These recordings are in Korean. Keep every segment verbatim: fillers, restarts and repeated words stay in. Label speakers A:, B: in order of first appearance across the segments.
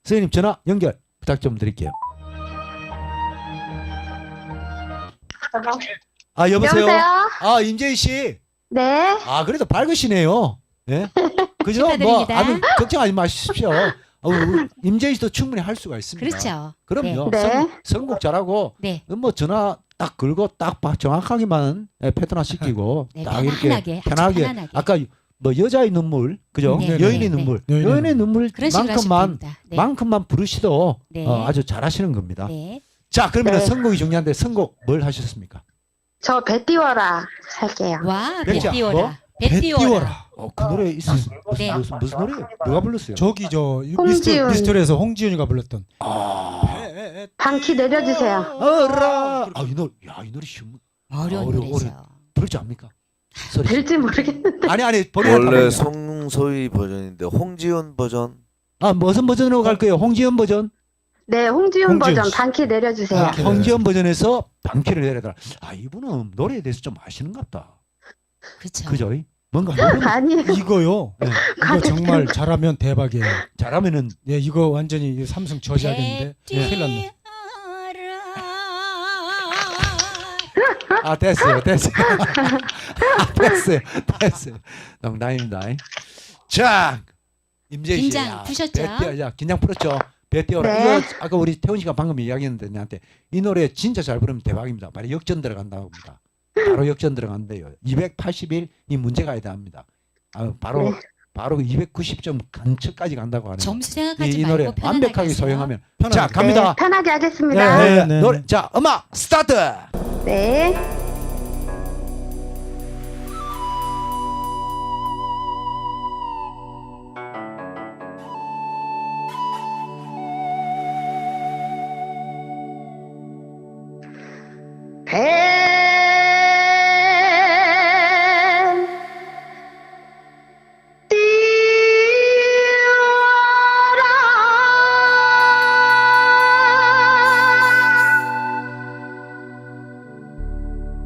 A: 선생님 전화 연결 부탁 좀 드릴게요. 아 여보세요.
B: 여보세요?
A: 아 임재희 씨.
B: 네.
A: 아 그래도 밝으시네요. 예? 그죠? 뭐
C: 축하드립니다.
A: 아무 걱정하지 마십시오. 어, 우리 임재희 씨도 충분히 할 수가 있습니다.
C: 그렇죠.
A: 그럼요.
B: 네.
A: 선, 선곡 잘하고
C: 네.
A: 뭐 전화 딱 걸고 딱 봐- 정확하게만 예, 패턴화 시키고
C: 네,
A: 딱 이렇게
C: 편안하게, 아주
A: 편하게
C: 편안하게.
A: 아까 뭐 여자의 눈물 그죠?
C: 네,
A: 여인의
C: 네, 네.
A: 눈물
D: 여인의
A: 여인의
D: 눈물.
C: 그런 식으로 하시면
A: 눈물만큼만
C: 됩니다. 네.
A: 만큼만 부르시도
C: 네.
A: 어, 아주 잘하시는 겁니다.
C: 네.
A: 자 그러면
B: 네.
A: 선곡이 중요한데 선곡 뭘 하셨습니까?
B: 저 배 띄워라 할게요.
C: 와, 배
A: 백자,
C: 띄워라.
A: 뭐?
C: 배
D: 배
C: 띄워라.
D: 띄워라.
A: 어, 그 노래 있었어요. 무슨,
C: 네.
A: 무슨 무슨 노래예요? 누가 불렀어요?
D: 저기 저 미스터,
B: 홍지윤.
D: 미스터리에서 홍지윤이가 불렀던
A: 아,
B: 방키 내려주세요.
A: 어라. 아, 이 노래, 야, 이 노래 쉬운
C: 어려운
A: 어려-
C: 노래죠.
A: 어려- 부를 줄 압니까? 소리.
B: 될지 모르겠는데.
A: 아니 아니 버리는
E: 원래
A: 타입이야.
E: 송소희 버전인데 홍지연 버전.
A: 아 무슨 버전으로 갈 거예요? 홍지연 버전?
B: 네, 홍지윤
D: 홍지윤
B: 버전
D: 씨.
B: 방키 내려주세요.
A: 아,
D: 방키.
A: 홍지연 버전에서 방키를 내려더라. 아 이분은 노래에 대해서 좀 아시는갑다.
C: 그렇죠.
A: 그죠? 뭔가 노래
B: 아니에요.
D: 이거요.
A: 네.
D: 이거 정말 잘하면 대박이에요.
A: 잘하면은
D: 예, 이거 완전히 삼성 저지하겠는데
C: 배
D: 큰일 났네.
C: 띄워라.
A: 아 됐어요, 됐어요, 아, 됐어요, 됐어요. 농담입니다. 자 임재희 씨,
C: 긴장
A: 야,
C: 푸셨죠?
A: 배 띄워, 야, 긴장 풀었죠? 배 띄워라.
B: 네.
A: 이거 아까 우리 태훈 씨가 방금 이야기했는데 나한테 이 노래 진짜 잘 부르면 대박입니다. 바로 역전 들어간다고 합니다. 바로 역전 들어간대요. 이백팔십 일 이 문제 가야 합니다. 아, 바로
B: 네.
A: 바로 이백구십 점 간척까지 간다고 하네요.
C: 점수
A: 이,
C: 생각하지
A: 이 노래
C: 말고 편안하게
A: 완벽하게
C: 하세요.
A: 소용하면
D: 편안하게.
A: 자 갑니다.
B: 네, 편하게 하겠습니다.
A: 네, 네,
D: 네,
A: 노래
D: 네.
A: 자 음악 스타트.
B: 네. 배 띄워라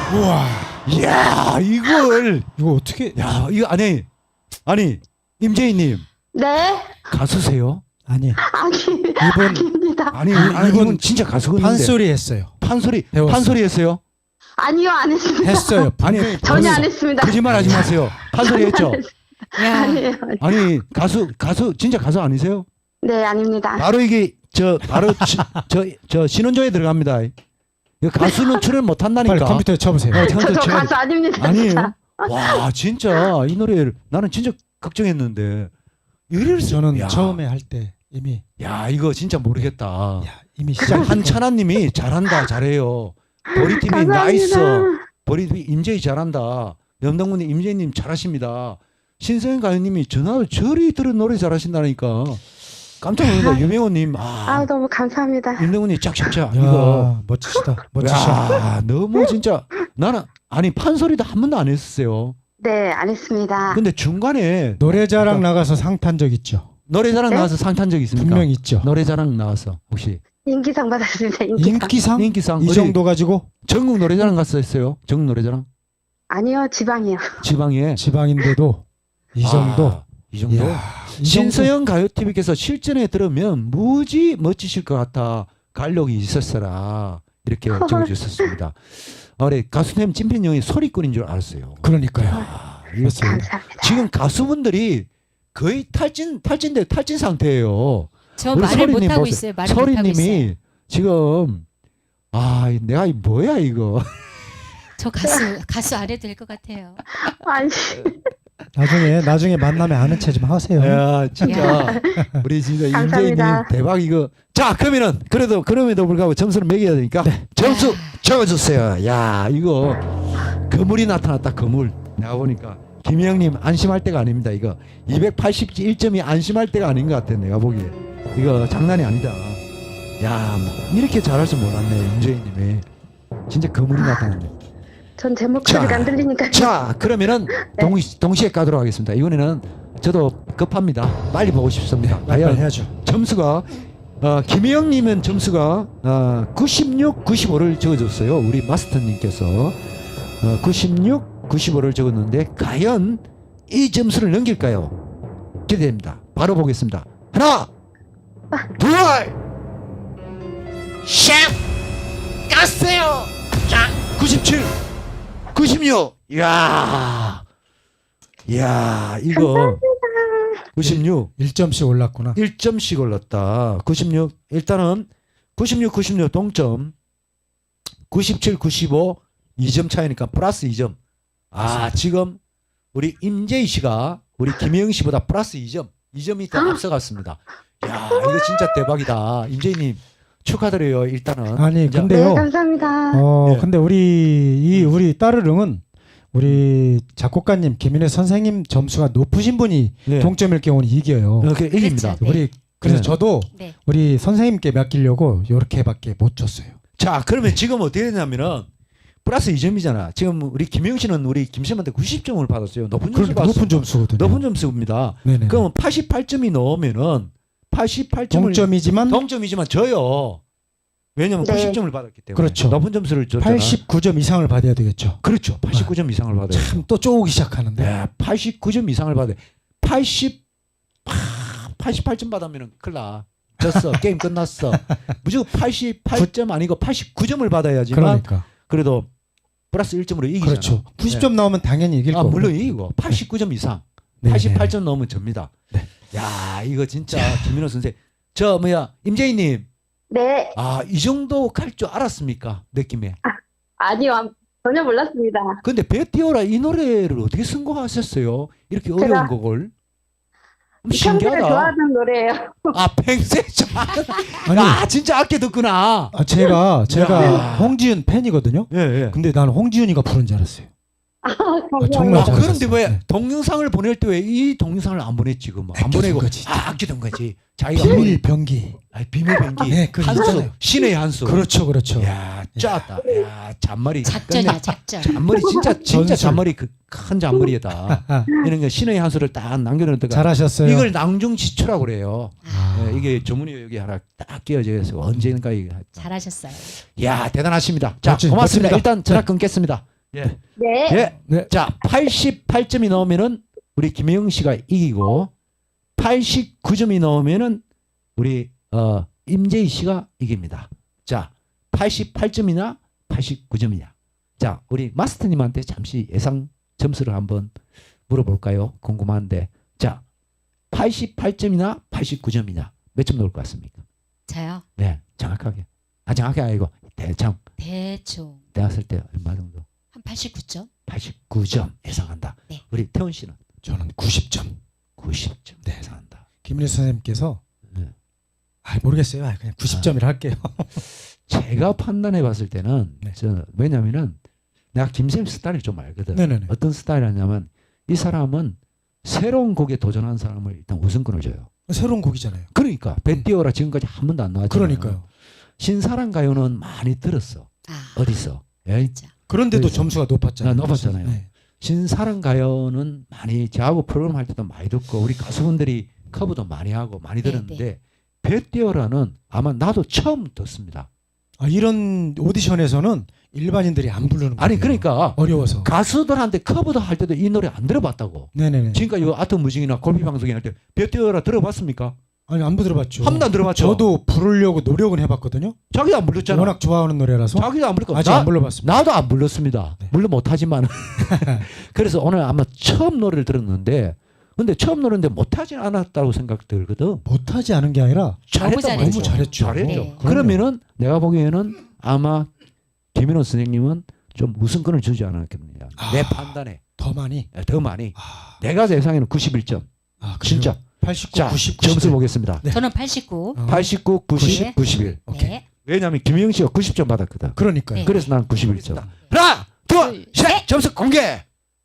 D: 우와.
A: 이야 이걸
D: 이거 어떻게?
A: 야 이거 아니 아니 임재희님
B: 네.
A: 가수세요?
D: 아니
B: 아니,
D: 이분
B: 아닙니다.
A: 아니, 아니
D: 이분
A: 이분 진짜 가수건데
D: 판소리 했어요.
A: 판소리
D: 배웠어.
A: 판소리 했어요?
B: 아니요, 안 했습니다.
D: 했어요.
A: 아니
B: 전혀 안 했습니다.
A: 거짓말하지 마세요. 판소리 했죠?
C: 야,
B: 아니에요.
A: 아니 가수 가수 진짜 가수 아니세요?
B: 네, 아닙니다.
A: 바로 이게 저 바로 저저 저 신원조에 들어갑니다. 이거 가수는 출연 못 한다니까.
D: 빨리 컴퓨터에 쳐보세요.
A: 어,
B: 저,
A: 컴퓨터
B: 저
A: 쳐야
B: 가수 아닙니다.
A: 아니에요.
B: 진짜.
A: 와 진짜 이 노래를 나는 진짜 걱정했는데 이럴 수
D: 저는
A: 야,
D: 처음에 할 때 이미
A: 야 이거 진짜 모르겠다.
D: 야, 이미
A: 진짜
D: 시작.
A: 한찬아님이 잘한다 잘해요. 보리티비
B: 감사합니다.
A: 나이스. 보리티비 임재희 잘한다. 염동근님 임재희님 잘하십니다. 신서연 가요님이 전화를 저리 들은 노래 잘하신다니까. 깜짝 놀랐다. 유명호님
B: 아,
A: 아
B: 너무 감사합니다.
A: 임동근님 짝짝짝
D: 야,
A: 이거.
D: 멋지시다. 멋지셔.
A: 야 너무 진짜 나는 아니 판소리도 한 번도 안 했었어요.
B: 네, 안 했습니다.
A: 근데 중간에
D: 노래자랑 나가서 상 탄 적 있죠.
A: 노래자랑
B: 네?
A: 나와서 상 탄 적 있습니까?
D: 분명 있죠.
A: 노래자랑 나와서 혹시
B: 인기상 받았습니다. 인기상.
D: 인기상?
A: 인기상
D: 이
A: 어디
D: 정도 가지고
A: 전국 노래자랑 갔었어요. 전국 노래자랑
B: 아니요, 지방이요.
A: 지방에
D: 지방인데도 이 정도.
A: 아, 이 정도.
D: 이야, 이 정도.
A: 신서영 가요티비께서 실전에 들으면 무지 멋지실 것 같아. 갈록이 있었어라. 이렇게 적어주셨습니다. 어래 가수님 찐팬형이 소리꾼인 줄 알았어요.
D: 그러니까요.
A: 아, 이거
B: 감사합니다.
A: 지금 가수분들이 거의 탈진 탈진돼 탈진 상태예요.
C: 저
A: 우리
C: 말을
A: 소리님
C: 못 하고
A: 보세요.
C: 있어요. 말을 못 하고 있어요.
A: 소리님이 지금 아 내가 이 뭐야 이거.
C: 저 가수 가수 안 해도 될 것 같아요.
B: 아니,
D: 나중에 나중에 만나면 아는 체 좀 하세요.
A: 야 진짜 우리 진짜 임재희님
B: 감사합니다.
A: 대박 이거. 자 그러면은 그래도 그럼에도 불구하고 점수를 매겨야 되니까 점수 적어주세요. 야 이거 거물이 나타났다 거물. 내가 보니까 김희영님 안심할 때가 아닙니다. 이거 이백팔십일 점이 안심할 때가 아닌 것 같아 내가 보기에. 이거 장난이 아니다. 야 이렇게 잘할 줄 몰랐네 임재희님이. 진짜 거물이 나타났네.
B: 전 제 목소리가
A: 자,
B: 안 들리니까.
A: 자 그러면은 동, 동시에 가도록 하겠습니다. 이번에는 저도 급합니다. 빨리 보고 싶습니다.
D: 빨리
A: 과연
D: 해야죠.
A: 점수가 어, 김희영님은 점수가 어, 구십육, 구십오를 적어줬어요. 우리 마스터님께서 어, 구십육, 구십오를 적었는데 과연 이 점수를 넘길까요? 기대됩니다. 바로 보겠습니다. 하나, 둘, 셋, 깠어요. 자, 구십칠, 구십육. 이야, 이야, 이거 구십육.
D: 일 점씩 올랐구나.
A: 일 점씩 올랐다. 구십육. 일단은 구십육, 구십육 동점. 구십칠, 구십오 이 점 차이니까 플러스 이 점. 아, 지금 우리 임재희 씨가 우리 김혜영 씨보다 플러스 이 점. 이 점이 더 앞서갔습니다. 야, 이거 진짜 대박이다. 임재희님 축하드려요. 일단은.
D: 아니
A: 이제-
B: 네,
D: 근데요.
B: 감사합니다.
D: 어
A: 예.
D: 근데 우리 이 우리 따르릉은 우리 작곡가님 김인혜 선생님 점수가 높으신 분이
A: 네.
D: 동점일 경우는 이겨요.
A: 이렇게 일입니다.
C: 그렇죠. 네.
D: 우리 그래서
A: 네.
D: 저도
C: 네.
D: 우리 선생님께 맡기려고 이렇게밖에 못 줬어요.
A: 자, 그러면 지금 어떻게 되냐면은 플러스 이 점이잖아. 지금 우리 김혜영 씨는 우리 김씨한테 구십 점을 받았어요. 높은 점수
D: 그럼
A: 받았어요.
D: 높은 점수거든요.
A: 높은 점수입니다.
D: 네네.
A: 그럼 팔십팔 점이 넘으면은 팔십팔 점을
D: 동점이지만
A: 동점이지만 져요. 왜냐면
B: 네.
A: 구십 점을 받았기 때문에.
D: 그렇죠.
A: 높은 점수를 줬잖아.
D: 팔십구 점 이상을 받아야 되겠죠.
A: 그렇죠. 팔십구 점 이상을 받아요.
D: 참 또 쪼기 시작하는데.
A: 네, 팔십구 점 이상을 받아요. 팔십 아, 팔십팔 점 받으면은 큰일 나. 졌어. 게임 끝났어. 무조건 팔십팔 점 아니고 팔십구 점을 받아야지만
D: 그러니까.
A: 그래도 플러스 일 점으로 이기잖아.
D: 그렇죠. 구십 점 나오면 당연히 이길
A: 아,
D: 거고.
A: 물론 이기고 팔십구 점 이상.
D: 네네.
A: 팔십팔 점 넘으면 접니다.
D: 네.
A: 야, 이거 진짜 김민호 선생. 저 뭐야? 임재희 님.
B: 네,
A: 아, 이 정도 갈 줄 알았습니까? 느낌에.
B: 아니요, 전혀 몰랐습니다.
A: 근데 베티오라 이 노래를 어떻게 선곡하셨어요? 이렇게 어려운
B: 제가
A: 곡을. 음,
B: 평소에
A: 신기하다.
B: 좋아하는 노래예요.
A: 아, 평소에
D: 아니
A: 아, 진짜 아껴 듣구나.
D: 아, 제가 제가
A: 야.
D: 홍지윤 팬이거든요.
A: 예, 예.
D: 근데 나는 홍지윤이가 부른 줄 알았어요.
B: 아,
D: 정말
A: 아,
D: 잘하셨어요.
A: 그런데 왜
D: 네.
A: 동영상을 보낼 때 왜 이 동영상을 안 보냈지? 그럼 안
D: 아껴둔
A: 보내고
D: 거지.
A: 아, 아끼던 거지. 자기가 한
D: 비밀 병기.
A: 아니, 비밀 병기.
D: 네, 그거
A: 한수.
D: 있잖아요.
A: 신의 한수.
D: 그렇죠, 그렇죠.
A: 야, 짰다. 야, 잔머리.
C: 작전이야 작전.
A: 잔머리 진짜 진짜
D: 전술.
A: 잔머리 그 큰 잔머리에다.
D: 아,
A: 이런 거 신의 한수를 딱 남겨놓다가
D: 잘하셨어요.
A: 이걸 낭중지추라고 그래요.
C: 아,
A: 예, 이게 조문이 여기 하나 딱 끼어져 있어. 언젠가 이게.
C: 잘하셨어요.
A: 야, 대단하십니다. 자,
D: 멋지-
A: 고맙습니다.
D: 멋집니다.
A: 일단 전화
D: 네.
A: 끊겠습니다. 예.
B: 네.
A: 예.
D: 네.
A: 자, 팔십팔 점이 나오면은 우리 김혜영 씨가 이기고 팔십구 점이 나오면은 우리 어, 임재희 씨가 이깁니다. 자, 팔십팔 점이냐 팔십구 점이냐. 자, 우리 마스터님한테 잠시 예상 점수를 한번 물어볼까요? 궁금한데. 자, 팔십팔 점이나 팔십구 점이냐. 몇 점 나올 것 같습니까?
C: 저요.
A: 네, 정확하게. 아, 정확하게 아니고 대충
C: 대충
A: 대학생 때 얼마 정도?
C: 한 팔십구 점.
A: 팔십구 점 예상한다.
C: 네.
A: 우리 태훈 씨는
D: 저는 구십 점.
A: 구십 점 예상한다.
D: 김민혜 선생님께서
A: 네.
D: 아, 모르겠어요. 아, 그냥 구십 점이라 할게요.
A: 제가 판단해 봤을 때는
D: 네.
A: 저 왜냐면은 내가 김쌤 스타일을 좀 알거든.
D: 네네네.
A: 어떤 스타일이냐면 이 사람은 새로운 곡에 도전한 사람을 일단 우선권을 줘요.
D: 새로운 곡이잖아요.
A: 그러니까 배 띄워라 지금까지 한 번도 안 나왔잖아요.
D: 그러니까요.
A: 신사랑 가요는 많이 들었어.
C: 아,
A: 어디서? 예?
C: 진짜.
D: 그런데도
A: 그래서-
D: 점수가 높았잖아요.
A: 아, 높았잖아요.
D: 네.
A: 신사랑 가요는 많이 저하고 프로그램 할 때도 많이 듣고 우리 가수분들이 커브도 많이 하고 많이
C: 네,
A: 들었는데 배 띄워라는 아마 나도 처음 듣습니다.
D: 아, 이런 오디션에서는 일반인들이 안 부르는 거예요.
A: 아니 그러니까
D: 어려워서.
A: 가수들한테 커브도 할 때도 이 노래 안 들어봤다고.
D: 네네네.
A: 지금까지 이 아트 무징이나 골피 방송이 할 때 배 띄워라 들어봤습니까?
D: 아니 안 들어봤죠.
A: 한 번도 안 들어봤죠.
D: 저도 부르려고 노력은 해봤거든요.
A: 자기도 안 불렀잖아.
D: 워낙 좋아하는 노래라서
A: 자기도 안 불렀고
D: 아직
A: 나,
D: 안 불러봤습니다.
A: 나도 안 불렀습니다.
D: 네.
A: 물론 못하지만. 그래서 오늘 아마 처음 노래를 들었는데 근데 처음 노래인데 못하진 않았다고 생각 들거든.
D: 못하지 않은 게 아니라
A: 잘했단
C: 잘했죠.
A: 말이죠.
D: 너무 잘했죠.
A: 잘했죠.
C: 네.
A: 그러면은 내가 보기에는 아마 김인호 선생님은 좀 우승권을 주지 않았겠느냐.
D: 아.
A: 내 판단에
D: 더 많이.
A: 더 많이.
D: 아,
A: 내가 예상에는 구십일 점.
D: 아 그래요?
A: 진짜.
D: 팔십구,
A: 자,
D: 구십,
A: 점수
D: 구십일.
A: 보겠습니다.
D: 네.
C: 저는 팔십구.
D: 어,
A: 팔십구, 구십,
C: 네.
A: 구십일.
D: 오케이.
C: 네.
A: 왜냐하면 김영 씨가 구십 점 받았거든.
D: 그러니까요.
C: 네.
A: 그래서 난 구십일 점. 하나, 둘,
C: 둘,
A: 셋. 점수 공개.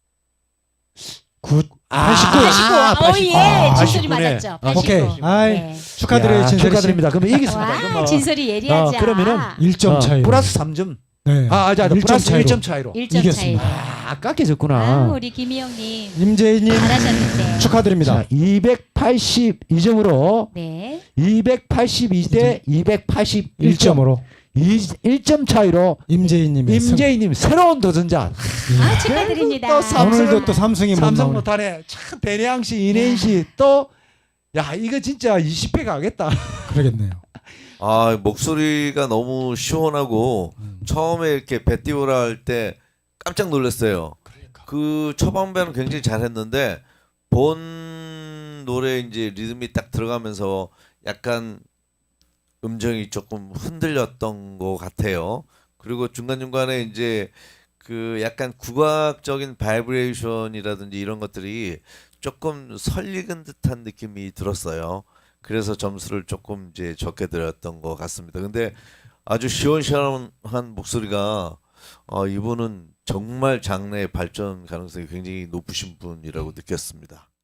D: 구,
A: 아,
D: 팔십구.
C: 팔십구. 어, 예.
A: 아,
C: 진솔이
A: 팔십구네.
C: 맞았죠.
A: 아,
C: 팔십구.
D: 오케이. 아이,
C: 네.
D: 축하드려요.
A: 야,
D: 진솔이 씨.
A: 축하드립니다. 그러면 이겼습니다.
C: 와,
A: 그러면
C: 진솔이 예리하지.
A: 어, 그러면은
D: 일 점
A: 어,
D: 차이로.
A: 플러스 삼 점.
D: 네.
A: 아, 아, 자,
D: 일 점
A: 플러스
D: 차이로.
A: 일 점 차이로.
C: 일 점 차이로.
D: 이겼습니다.
A: 아, 깎여졌구나.
C: 아, 우리 김희영님
D: 임재희님
C: 잘하셨는데.
D: 축하드립니다.
A: 자, 이백팔십이 점으로
C: 네.
A: 이백팔십이 대 이백팔십일 점.
D: 일 점으로
A: 일 점 차이로
D: 임재희님의 승.
A: 임재희님 새로운 도전자.
C: 아, 축하드립니다.
A: 또 삼-
D: 오늘도 또 삼승이 못
A: 삼성
D: 나오네.
A: 못하네. 참 배내양 씨, 이내인 씨 또 야 이거 진짜 이십 회 가겠다.
D: 그러겠네요.
E: 아 목소리가 너무 시원하고
D: 음.
E: 처음에 이렇게 배 띄우라 할 때 깜짝 놀랐어요. 그 초반배는 굉장히 잘했는데 본 노래 이제 리듬이 딱 들어가면서 약간 음정이 조금 흔들렸던 것 같아요. 그리고 중간 중간에 이제 그 약간 국악적인 바이브레이션이라든지 이런 것들이 조금 설익은 듯한 느낌이 들었어요. 그래서 점수를 조금 이제 적게 드렸던 것 같습니다. 근데 아주 시원시원한 목소리가 어, 이분은 정말 장래의 발전 가능성이 굉장히 높으신 분이라고 느꼈습니다.